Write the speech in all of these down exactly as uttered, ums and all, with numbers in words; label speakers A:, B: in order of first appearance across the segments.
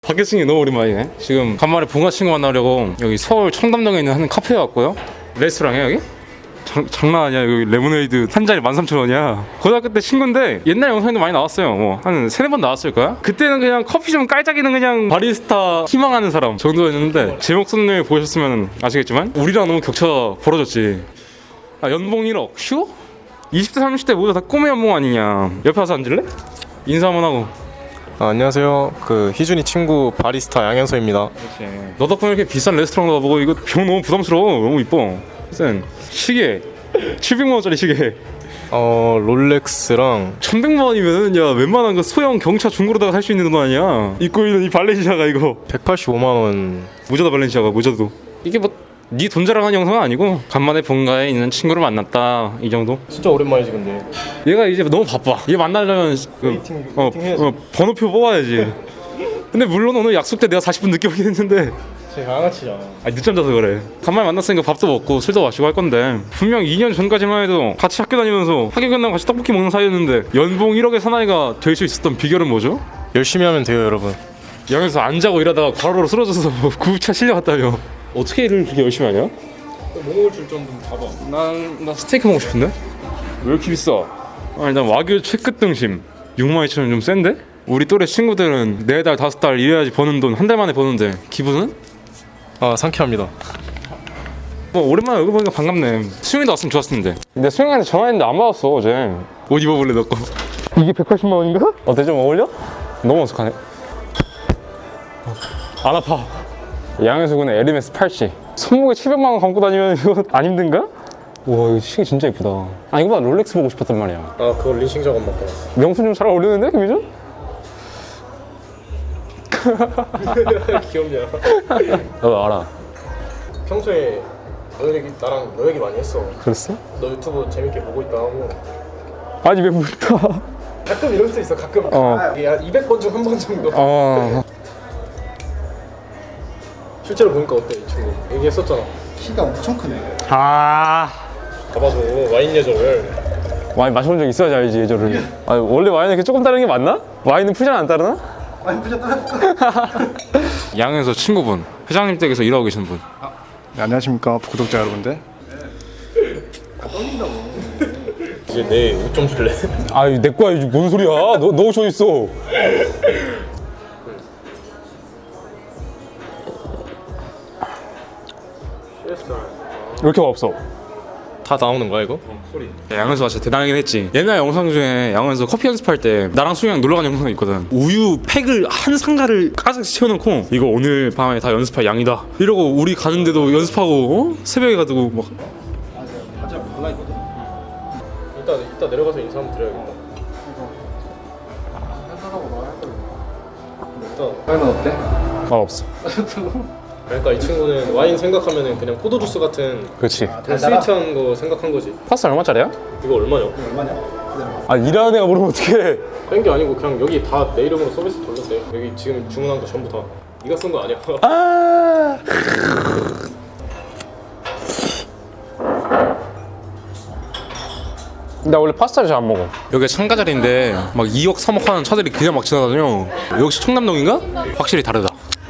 A: 박혜승이 너무 오랜만이네. 지금 간만에 본가 친구 만나려고 여기 서울 청담동에 있는 한 카페에 왔고요. 레스토랑이야 여기? 장, 장난 아니야. 여기 레모네이드 한 잔에 만 삼천 원이야 고등학교 때 친구인데 옛날 영상에도 많이 나왔어요. 뭐 한 세네 번 나왔을 거야. 그때는 그냥 커피 좀 깔짝이는 그냥 바리스타 희망하는 사람 정도였는데 제 목소리 보셨으면 아시겠지만 우리랑 너무 격차 벌어졌지. 아, 연봉 일억 쉬워? 이십 대 삼십 대 모두 다 꿈의 연봉 아니냐. 옆에 와서 앉을래? 인사 한번 하고.
B: 아, 안녕하세요. 그 희준이 친구 바리스타 양현서입니다.
A: 그렇지. 너 덕분에 이렇게 비싼 레스토랑 가보고 이거 병 너무 부담스러워. 너무 이뻐. 무슨 시계 칠백만 원짜리 시계
B: 어 롤렉스랑
A: 천백만 원이면은 야 웬만한 그 소형 경차 중고로다가 살 수 있는 돈 아니야. 입고 있는 이 발렌시아가 이거
B: 백팔십오만 원.
A: 모자다 발렌시아가 모자도. 이게 뭐 네 돈 자랑하는 영상은 아니고 간만에 본가에 있는 친구를 만났다 이 정도.
B: 진짜 오랜만이지 근데.
A: 얘가 이제 너무 바빠. 얘 만나려면 그,
B: 웨이팅,
A: 어,
B: 웨이팅 해야지.
A: 어, 번호표 뽑아야지. 근데 물론 오늘 약속 때 내가 사십 분 늦게 오긴 했는데
B: 제 양아치잖아.
A: 아니 늦잠 자서 그래. 간만에 만났으니까 밥도 먹고 술도 마시고 할 건데 분명 이 년 전까지만 해도 같이 학교 다니면서 학교 끝나고 같이 떡볶이 먹는 사이였는데 연봉 일억의 사나이가 될 수 있었던 비결은 뭐죠?
B: 열심히 하면 돼요 여러분.
A: 양에서 안 자고 일하다가 과로로 쓰러져서 구급차 실려갔다며. 어떻게 일을 그렇게 열심히 하냐?
B: 뭐 줄 정도 봐봐.
A: 난, 나 스테이크 먹고 싶은데? 왜 이렇게 비싸? 아, 일단 와규 최끝 등심 육만 이천 원 좀 센데? 우리 또래 친구들은 네 달 다섯 달 일해야지 버는 돈 한 달 만에 버는데 기분은?
B: 아 상쾌합니다.
A: 뭐 오랜만에 얼굴 보니까 반갑네. 수영이도 왔으면 좋았을 텐데. 근데 수영이한테 전화했는데 안 받았어 어제. 옷 입어볼래 너 거? 이게 백팔십만 원인가? 어때 좀 어울려? 너무 어색하네. 안 아파. 양현수군의 에르메스 팔찌. 손목에 칠백만 원 감고 다니면 이거 안 힘든가? 와 이거 시계 진짜 예쁘다. 아 이거 봐 롤렉스 보고 싶었단 말이야.
B: 아 그거 린싱 작업 맡고 왔어.
A: 명품 좀 잘 어울리는데 김희준?
B: 귀엽냐?
A: 나도 알아.
B: 평소에 너 얘기 나랑 너 얘기 많이 했어.
A: 그랬어?
B: 너 유튜브 재밌게 보고 있다 하고.
A: 아니 왜 묻다.
B: 가끔 이럴 수 있어. 가끔.
A: 어.
B: 아, 이게 한 이백 번 중 한 번 정도.
A: 어.
B: 실제로 보니까 어때 이 친구? 얘기했었잖아.
C: 키가 엄청 크네.
A: 아.
B: 봐봐줘 와인 예절을.
A: 와인 마셔본 적 있어야지 알지 예절을. 아 원래 와인은 이렇게 조금 다른 게 맞나? 와인은 푸잔 안 따르나?
C: 많이 부자 따랐어.
A: 양에서 친구분 회장님 댁에서 일하고 계시는 분.
C: 네, 안녕하십니까 구독자 여러분들.
B: 이제 내 옷 좀 줄래?
A: 아이 내 거야 이게 뭔 소리야? 너 너 저 있어. 이렇게 없어.
B: 다 나오는 거야 이거?
A: 양현수가 진짜 대단하긴 했지. 옛날 영상 중에 양현수 커피 연습할 때 나랑 수영이랑 놀러간 영상이 있거든. 우유 팩을 한 상자를 가득 채워놓고 이거 오늘 밤에 다 연습할 양이다 이러고 우리 가는데도 연습하고 어? 새벽에 가지고 막.
C: 맞아 몰라 있거든.
B: 이따 이따 내려가서 인사 한번 드려야겠다.
C: 회사라고 말했거든.
B: 일단
C: 얼마 어때?
A: 말 없어.
B: 그러니까 이 친구는 와인 생각하면은 그냥 포도 주스 같은
A: 그렇지.
B: 그냥 스위트한 거 생각한 거지.
A: 파스타 얼마짜리야?
B: 이거 얼마냐?
C: 얼마냐?
A: 아 일하는 애가 물으면 어떡해.
B: 뺀 게 아니고 그냥 여기 다 내 이름으로 서비스 돌렸대. 여기 지금 주문한 거 전부 다 네가 쓴 거 아니야?
A: 아. 나 원래 파스타를 잘 안 먹어. 여기가 창가 자리인데 막 이억 삼억 하는 차들이 그냥 막 지나다녀. 역시 청담동인가? 확실히 다르다.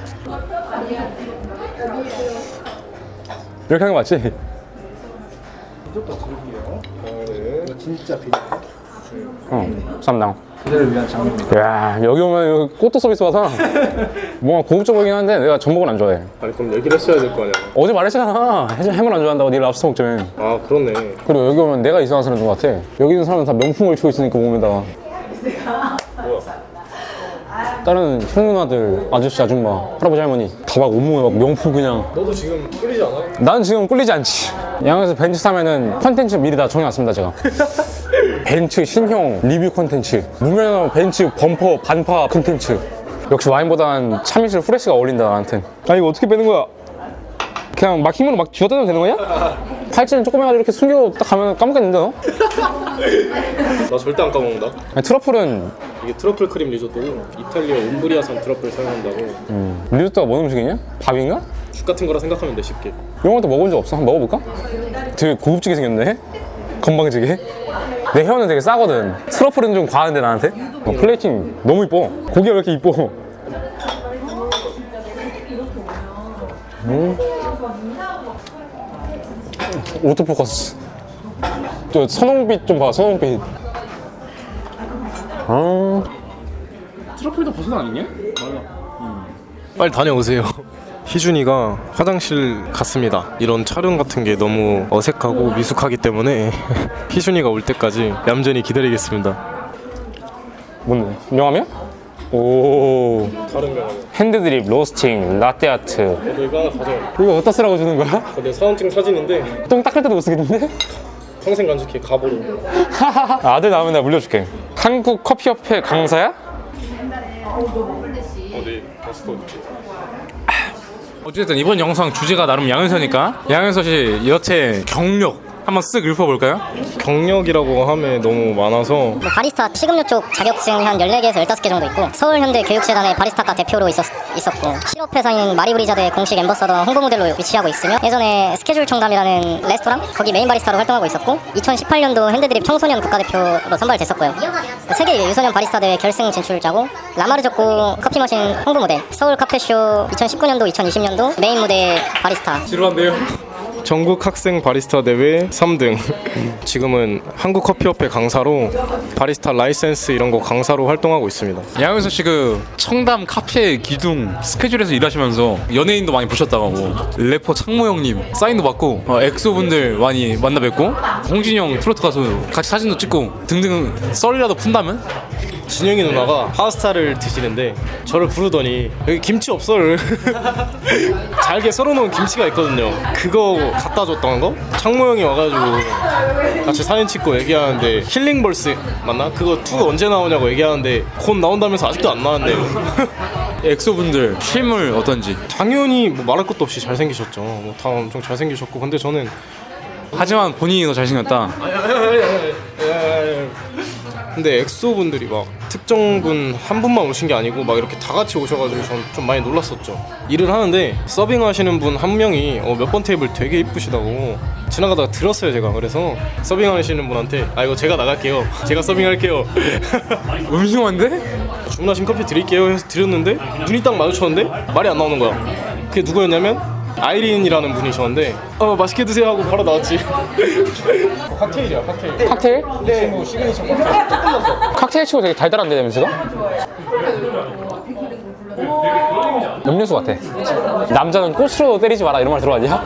A: 이렇게 하는 거 맞지?
C: 이것도 드릴게요.
B: 아, 네.
C: 이거 진짜 비싸.
A: 어, 쌈당.
C: 그대를 위한 장면입니다.
A: 야 여기 오면 이거 꽃도 서비스 받아. 뭔가 고급져 보이긴 한데 내가 전복은 안 좋아해.
B: 아니 그럼 얘기를 했어야 될 거 아니야?
A: 어제 말했잖아. 해물 해물 안 좋아한다고. 네 랍스터 먹자며.
B: 아 그렇네.
A: 그리고 여기 오면 내가 이상한 사람인 것 같아. 여기 있는 사람은 다 명품을 치고 있으니까 몸에다가.
B: 뭐야?
A: 다른 형 누나들, 아저씨, 아줌마, 할아버지, 할머니 다 막 온몸에 막 명품 그냥.
B: 너도 지금 끌리지 않아?
A: 난 지금 꿀리지 않지. 양에서 벤츠 사면은 컨텐츠 미리 다 정해놨습니다 제가. 벤츠 신형 리뷰 컨텐츠, 무면허 벤츠 범퍼 반파 컨텐츠. 역시 와인보단 참이슬 후레쉬가 어울린다 나한텐. 아 이거 어떻게 빼는 거야? 그냥 막 힘으로 막 쥐어뜯으면 되는 거냐? 팔찌는 조금 해가지고 이렇게 숨겨 딱 가면 까먹겠는데 너?
B: 나 절대 안 까먹는다.
A: 아니, 트러플은
B: 이게 트러플 크림 리조또고 이탈리아 옴브리아산 트러플 사용한다고.
A: 음, 리조또가 뭔 음식이냐? 밥인가?
B: 죽 같은 거라 생각하면 돼 쉽게.
A: 이런 것도 먹어본 적 없어? 한번 먹어볼까? 되게 고급지게 생겼네? 건방지게? 내 혀는 되게 싸거든. 트러플은 좀 과한데 나한테? 어, 플레이팅 너무 이뻐. 고기가 왜 이렇게 이뻐? 음. 오토포커스. 저 선홍빛 좀 봐, 선홍빛. 아. 트러플도 버섯 아니냐?
B: 빨리 다녀오세요. 희준이가 화장실 갔습니다. 이런 촬영 같은 게 너무 어색하고 미숙하기 때문에 희준이가 올 때까지 얌전히 기다리겠습니다.
A: 뭔데? 명함이야? 오.
B: 다른 거
A: 핸드드립, 로스팅, 라떼아트.
B: 너 이거 하나 가져와.
A: 이거 어디다 쓰라고 주는 거야?
B: 내 사원증 사진인데
A: 똥 닦을 때도 못 쓰겠는데?
B: 평생 간직해 가보로.
A: 아들 나오면 내가 물려줄게. 한국 커피협회 강사야?
B: 어디 마스크 어디?
A: 어쨌든 이번 영상 주제가 나름 양현서니까 양현서 씨 여태 경력 한번 쓱 읊어볼까요?
B: 경력이라고 하면 너무 많아서
D: 뭐 바리스타 식음료 쪽 자격증 한 열네 개에서 열다섯 개 정도 있고 서울현대 교육재단의 바리스타과 대표로 있었, 있었고 실업회사인 마리브리자드의 공식 엠버서더 홍보 모델로 위치하고 있으며 예전에 스케줄 청담이라는 레스토랑 거기 메인 바리스타로 활동하고 있었고 이천십팔 년도 핸드드립 청소년 국가대표로 선발됐었고요. 세계 유소년 바리스타 대회 결승 진출자고 라마르조코 커피머신 홍보 모델 서울 카페쇼 이천십구 년도 이천이십 년도 메인 무대 바리스타.
A: 지루한데요?
B: 전국 학생 바리스타 대회 삼 등. 지금은 한국 커피협회 강사로 바리스타 라이센스 이런 거 강사로 활동하고 있습니다.
A: 양현서 씨 그 청담 카페 기둥 스케줄에서 일하시면서 연예인도 많이 보셨다고 하고 래퍼 창모 형님 사인도 받고 어, 엑소 분들 많이 만나 뵙고 홍진이 형 트로트 가수 같이 사진도 찍고 등등 썰이라도 푼다면?
B: 진영이 누나가 파스타를 드시는데 저를 부르더니 여기 김치 없어를 잘게 썰어놓은 김치가 있거든요. 그거 갖다 줬던 거? 창모 형이 와가지고 같이 사진 찍고 얘기하는데 힐링벌스 맞나? 그거 투가 언제 나오냐고 얘기하는데 곧 나온다면서 아직도 안 나왔네요.
A: 엑소 분들 실물 어떤지.
B: 당연히 뭐 말할 것도 없이 잘생기셨죠. 뭐 다 엄청 잘생기셨고 근데 저는
A: 하지만 본인이 더 잘생겼다.
B: 근데 엑소 분들이 막 특정 분 한 분만 오신 게 아니고 막 이렇게 다 같이 오셔가지고 전 좀 많이 놀랐었죠. 일을 하는데 서빙 하시는 분 한 명이 어, 몇 번 테이블 되게 이쁘시다고 지나가다가 들었어요 제가. 그래서 서빙 하시는 분한테 아 이거 제가 나갈게요. 제가 서빙할게요.
A: 음흉한데?
B: 주문하신 커피 드릴게요 해서 드렸는데 눈이 딱 마주쳤는데 말이 안 나오는 거야. 그게 누구였냐면 아이린이라는 분이셨는데 어 맛있게 드세요 하고 바로 나왔지. 칵테일이야 칵테일.
A: 칵테일?
B: 네. 뭐 시그니처 칵테일.
A: 칵테일 치고 되게 달달한데 냄새가? 음료수 같아. 남자는 꽃으로 때리지 마라 이런 말 들어봤냐?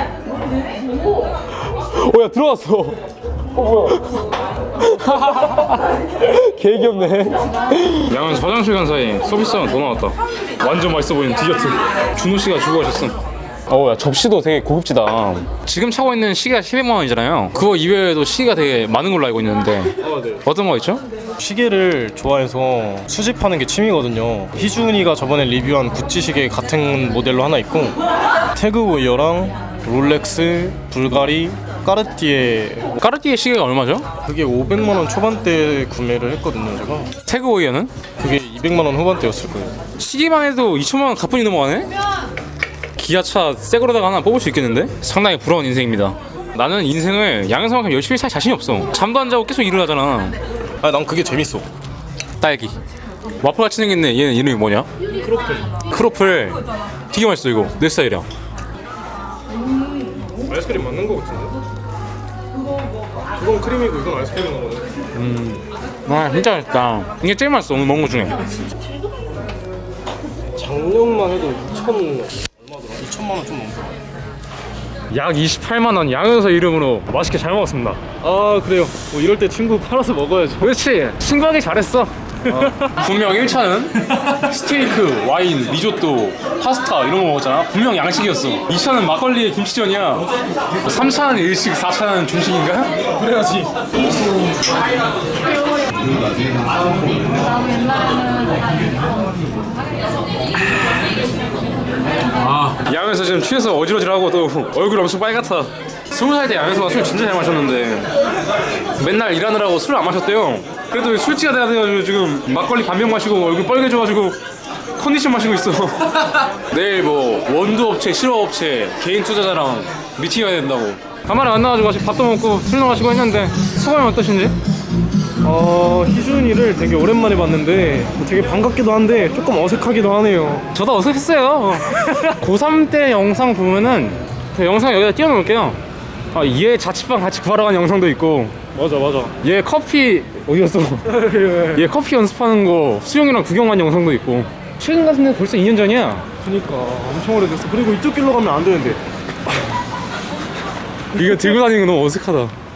A: 오야 들어왔어. 어 뭐야? 개 귀엽네. 양은 화장실 간 사이 서비스 하나 더 나왔다. 완전 맛있어 보이는 디저트. 준호 씨가 주고 가셨음. 어야 접시도 되게 고급지다. 지금 차고 있는 시계가 십이만 원이잖아요. 그거 이외에도 시계가 되게 많은 걸로 알고 있는데
B: 아, 네.
A: 어떤 거 있죠?
B: 시계를 좋아해서 수집하는 게 취미거든요. 희준이가 저번에 리뷰한 구찌 시계 같은 모델로 하나 있고 태그 웨어랑 롤렉스, 불가리, 까르띠에
A: 까르띠에 시계가 얼마죠?
B: 그게 오백만 원 초반대 구매를 했거든요 제가.
A: 태그 오이어는?
B: 그게 이백만 원 후반대였을 거예요.
A: 시계만 해도 이천만 원 가뿐히 넘어가네? 기아차 새 거로다가 하나 뽑을 수 있겠는데? 상당히 부러운 인생입니다. 나는 인생을 양현성만큼 열심히 살 자신이 없어. 잠도 안 자고 계속 일을 하잖아.
B: 아 난 그게 재밌어.
A: 딸기 와플같이 생겼네. 얘는 이름이 뭐냐?
B: 크로플.
A: 크로플 되게 맛있어. 이거 내 스타일이야.
B: 아이스크림 맞는 거 같은데? 그건 크림이고 이건 아이스크림인 거거든.
A: 음, 와 진짜 맛있다. 이게 제일 맛있어 오늘 먹은 거 중에.
B: 작년만 해도 이천 얼마더라? 이천만 원 좀 넘더라.
A: 약 이십팔만 원 양현서 이름으로 맛있게 잘 먹었습니다.
B: 아 그래요. 뭐 이럴 때 친구 팔아서 먹어야죠.
A: 그렇지. 친구하기 잘했어. 어. 분명 일 차는 스테이크, 와인, 리조또, 파스타 이런 거 먹었잖아. 분명 양식이었어. 이 차는 막걸리에 김치전이야. 삼 차는 일식, 사 차는 중식인가?
B: 그래야지.
A: 아, 양현서 지금 취해서 어지러지하고 또 얼굴 엄청 빨갛다. 스무 살 때 양현서가 술 진짜 잘 마셨는데 맨날 일하느라고 술을 안 마셨대요. 그래도 술지가 돼야 돼가지고 지금 막걸리 반병 마시고 얼굴 빨개져가지고 컨디션 마시고 있어. 내일 뭐 원두업체, 실업업체, 개인 투자자랑 미팅해야 된다고. 가만히 안 나와가지고 같이 밥도 먹고 술도 마시고 했는데 소감이 어떠신지?
B: 어, 희준이를 되게 오랜만에 봤는데 되게 반갑기도 한데 조금 어색하기도 하네요.
A: 저도 어색했어요. 고삼 때 영상 보면은 그 영상 여기다 띄워놓을게요. 아, 얘 자취방 같이 구하러 간 영상도 있고,
B: 맞아 맞아.
A: 얘 커피 어디였어? 얘 커피 연습하는 거 수영이랑 구경 간 영상도 있고. 최근 같은데 벌써 이 년 전이야.
B: 그니까 엄청 오래됐어. 그리고 이쪽 길로 가면 안 되는데.
A: 이거 들고 다니는 거 너무 어색하다.